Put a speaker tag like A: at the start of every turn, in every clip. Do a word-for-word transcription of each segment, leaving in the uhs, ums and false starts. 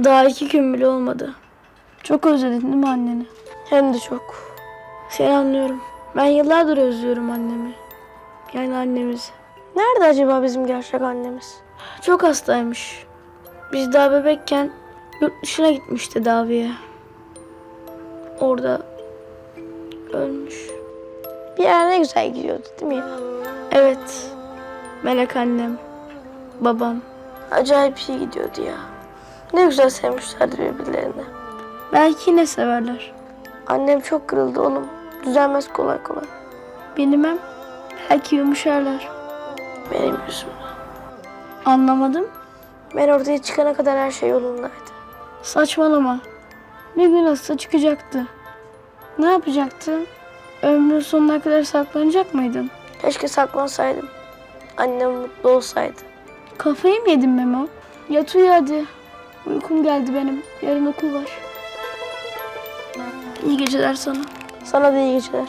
A: Daha iki gün bile olmadı. Çok özledin değil mi anneni? Hem de çok. Seni anlıyorum. Ben yıllardır özlüyorum annemi. Yani annemizi. Nerede acaba bizim gerçek annemiz? Çok hastaymış. Biz daha bebekken yurt dışına gitmiş tedaviye. Orada ölmüş. Bir yer ne güzel gidiyordu değil mi ya? Evet. Melek annem, babam. Acayip iyi gidiyordu ya. Ne güzel sevmişlerdi birbirlerini. Belki yine severler. Annem çok kırıldı oğlum. Düzelmez kolay kolay. Bilmem. Belki yumuşarlar. Benim yüzümden. Anlamadım. Ben ortaya çıkana kadar her şey yolundaydı. Saçmalama. Bir gün hasta çıkacaktı. Ne yapacaktın? Ömrün sonuna kadar saklanacak mıydın? Keşke saklansaydım. Annem mutlu olsaydı. Kafayı mı yedin Memo? Yat uyu hadi. Uykum geldi benim. Yarın okul var. İyi geceler sana. Sana da iyi geceler.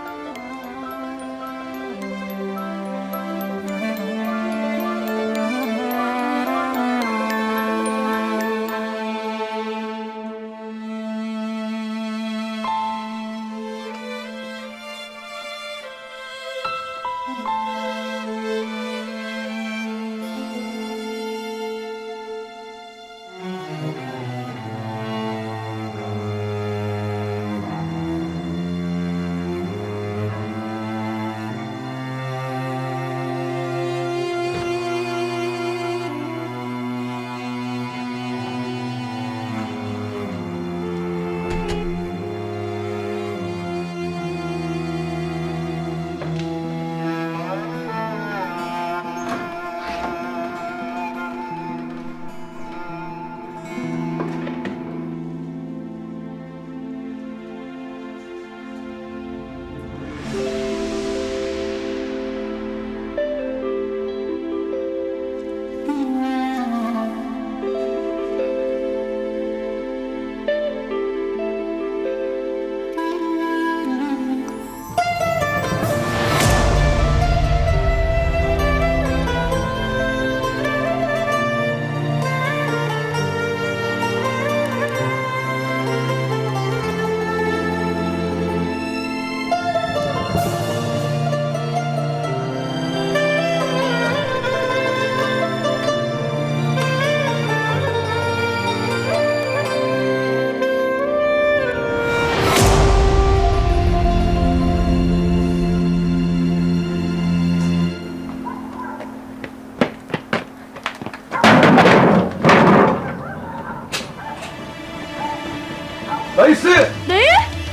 B: Dayısı!
A: Dayı!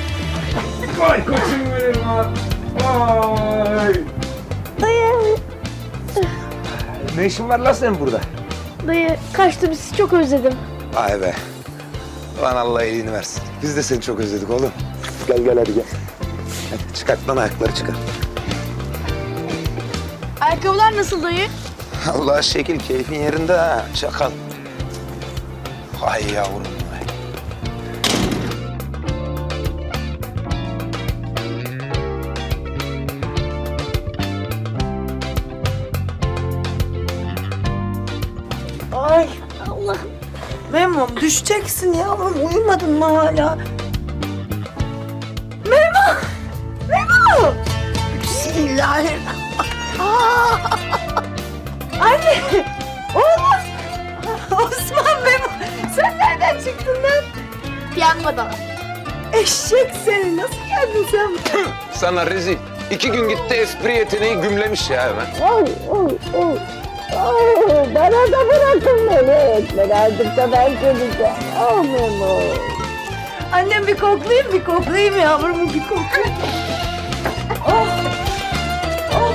B: Vay koçum benim lan! Vay!
A: Dayı!
B: Ne işin var lan senin burada?
A: Dayı kaçtı, bizi çok özledim.
B: Vay be! Lan Allah iyiliğini versin. Biz de seni çok özledik oğlum. Gel gel hadi gel. Hadi çıkart lan ayakları çıkar.
A: Ayakkabılar nasıl dayı?
B: Allah şekil keyfin yerinde ha çakal. Vay yavrum vay.
C: Ay Allah'ım. Memom düşeceksin yavrum. Uyumadın mı hala? Memo! Memo! Bismillahirrahmanirrahim. Aa! Anne! Oğlum! Osman Memo! Sen nereden çıktın lan?
A: Piyangodan.
C: Eşek seni. Nasıl geldin sen?
B: Sana rezil. İki gün gitti espri yeteneği gümlemiş ya hemen.
C: Oy oy oy. Oy, bana da bırakın beni. Ben artık da ben geleceğim. Oh Memo. Annem bir koklayayım, bir koklayayım yavrum, bir koklayayım. Oh. Oh.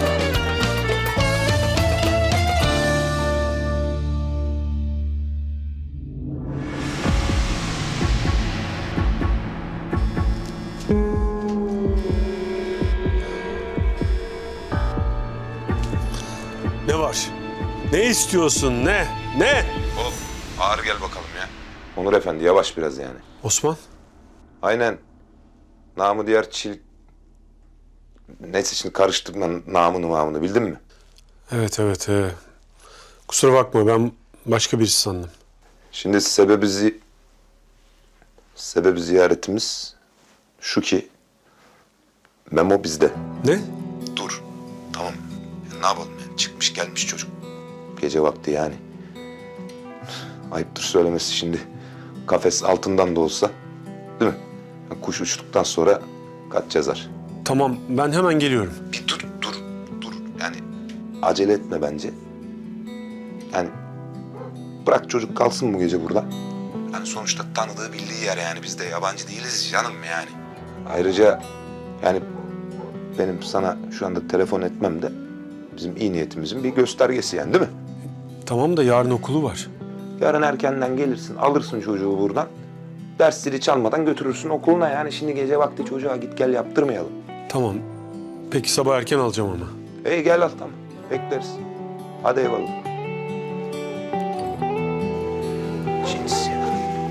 D: Ne var? Ne istiyorsun? Ne? Ne?
B: Oğlum ağır gel bakalım ya. Onur Efendi yavaş biraz yani.
D: Osman?
B: Aynen. Namı diğer çil... Neyse şimdi karıştırma namını mamını bildin mi?
D: Evet evet. He. Kusura bakma ben başka birisi sandım.
B: Şimdi sebebi, zi... sebebi ziyaretimiz şu ki Memo bizde.
D: Ne?
B: Dur. Tamam. Ya ne yapalım yani? Çıkmış gelmiş çocuk. Gece vakti yani. Ayıptır söylemesi şimdi. Kafes altından da olsa. Değil mi? Yani kuş uçtuktan sonra kaç yazar.
D: Tamam, ben hemen geliyorum.
B: Bir dur, dur, dur. Yani acele etme bence. Yani bırak çocuk kalsın bu gece burada. Yani sonuçta tanıdığı bildiği yer yani. Biz de yabancı değiliz canım yani. Ayrıca yani benim sana şu anda telefon etmem de bizim iyi niyetimizin bir göstergesi yani, değil mi?
D: Tamam da yarın okulu var.
B: Yarın erkenden gelirsin, alırsın çocuğu buradan. Ders zili çalmadan götürürsün okuluna yani. Şimdi gece vakti çocuğa git gel yaptırmayalım.
D: Tamam. Peki sabah erken alacağım ama.
B: İyi gel al, tamam. Bekleriz. Hadi eyvallah. Cins ya.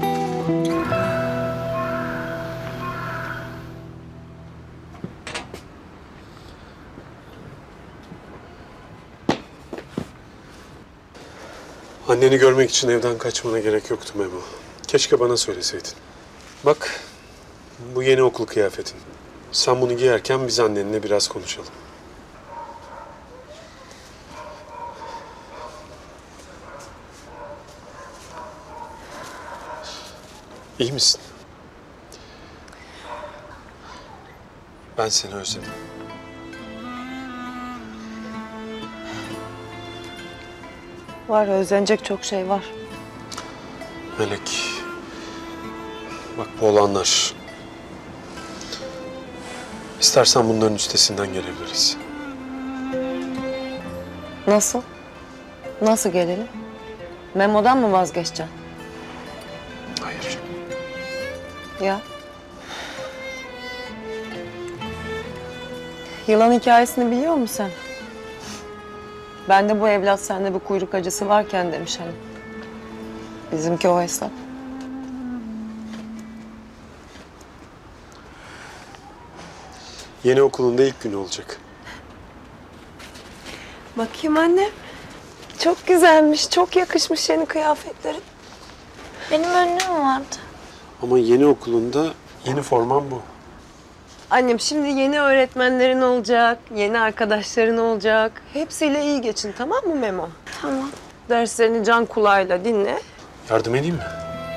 D: Anneni görmek için evden kaçmana gerek yoktu Memo. Keşke bana söyleseydin. Bak, bu yeni okul kıyafetin. Sen bunu giyerken biz annenle biraz konuşalım. İyi misin? Ben seni özledim.
C: Var, özlenecek çok şey var.
D: Melek, bak bu olanlar... İstersen bunların üstesinden gelebiliriz.
C: Nasıl? Nasıl gelelim? Memo'dan mı vazgeçeceksin?
D: Hayır.
C: Ya. Yılan hikayesini biliyor musun sen? Ben de bu evlat sende bir kuyruk acısı varken demiş hani. Bizimki o hesap.
D: Yeni okulunda ilk günü olacak.
C: Bakayım anne. Çok güzelmiş, çok yakışmış yeni kıyafetlerin.
A: Benim önlüğüm vardı.
D: Ama yeni okulunda yeni forman bu.
C: Annem şimdi yeni öğretmenlerin olacak, yeni arkadaşların olacak. Hepsiyle iyi geçin, tamam mı Memo?
A: Tamam.
C: Derslerini can kulağıyla dinle.
D: Yardım edeyim mi?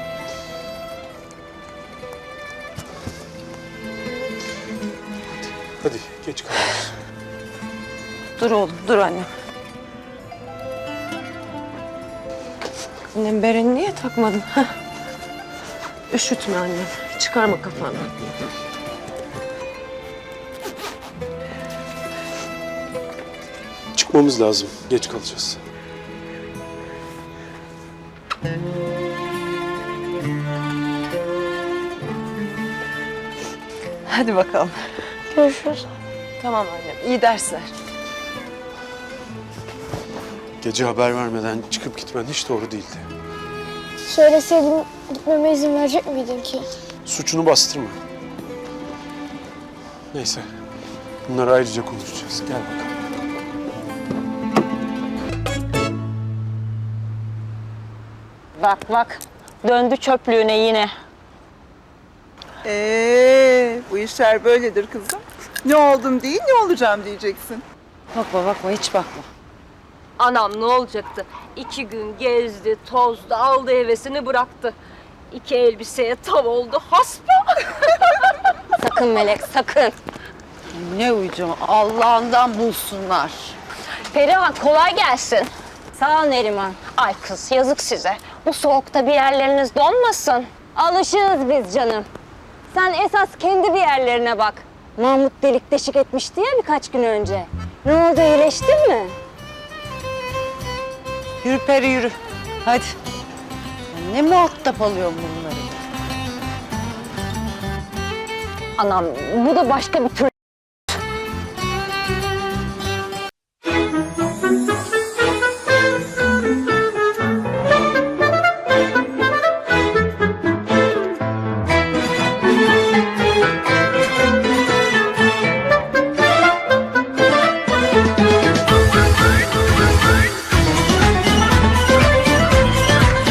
D: Hadi geç kalıyoruz.
C: Dur oğlum, dur annem. Annem bereni niye takmadın? Heh. Üşütme annem, çıkarma kafanı.
D: Çıkmamız lazım. Geç kalacağız.
C: Hadi bakalım.
A: Görüşürüz.
C: Tamam annem, iyi dersler.
D: Gece haber vermeden çıkıp gitmen hiç doğru değildi.
A: Söyleseydim gitmeme izin verecek miydin ki?
D: Suçunu bastırma. Neyse. Bunları ayrıca konuşacağız. Gel bakalım.
E: Bak bak, döndü çöplüğüne yine.
F: Ee, bu işler böyledir kızım. Ne oldum değil, ne olacağım diyeceksin.
C: Bakma bakma, hiç bakma.
E: Anam ne olacaktı? İki gün gezdi, tozdu, aldı hevesini bıraktı. İki elbiseye tav oldu, haspa. Sakın Melek, sakın.
C: Ne uyucu, Allah'ından bulsunlar.
E: Perihan kolay gelsin. Sağ ol Neriman. Ay kız yazık size. Bu soğukta bir yerleriniz donmasın. Alışığız biz canım. Sen esas kendi bir yerlerine bak. Mahmut delik deşik etmişti ya birkaç gün önce. Ne oldu, iyileştin mi?
C: Yürü Peri yürü. Hadi. Ne muhatap alıyorsun bunları?
E: Anam bu da başka bir tür